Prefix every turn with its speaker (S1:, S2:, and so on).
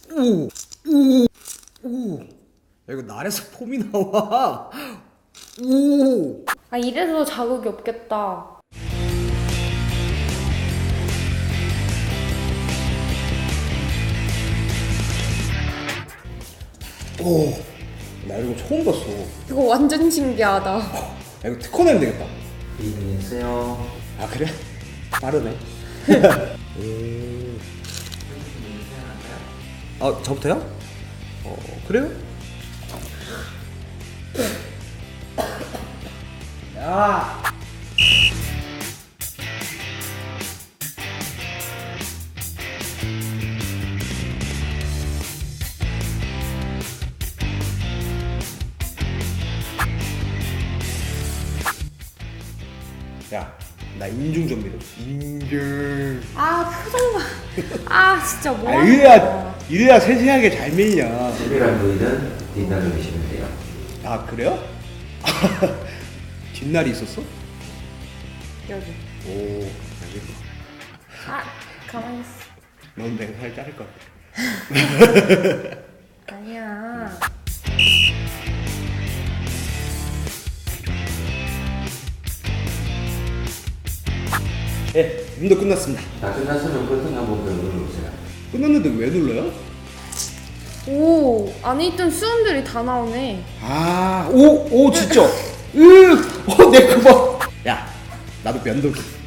S1: 오, 오, 오. 야, 이거 날에서 폼이 나와. 오.
S2: 아, 이래서 자극이 없겠다.
S1: 오. 나 이런 거 처음 봤어.
S2: 이거 완전 신기하다.
S1: 야, 이거 특허 내면 되겠다.
S3: 안녕하세요.
S1: 아, 그래? 빠르네. 아, 저부터요? 그래요? 야! 야, 나 인중 좀 밀어. 인중.
S2: 아, 표정 봐. 아, 진짜
S1: 아,
S2: 뭐하는
S1: 이래야 세세하게 잘 밀냐.
S3: 특별한 부위는 뒷날로 미시면 돼요.
S1: 아, 그래요? 뒷날이 있었어?
S2: 여기.
S1: 오, 알겠어.
S2: 아, 가만히 있어.
S1: 넌 내가 살 자를 것 같아.
S2: 아니야.
S1: 네, 운동 끝났습니다.
S3: 다 끝났으면 버튼 한번 더 눌러보세요.
S1: 끝났는데 왜 눌러요?
S2: 오, 안에 있던 수음들이 다 나오네.
S1: 아, 오, 진짜. 내 그거. 야, 나도 면도기.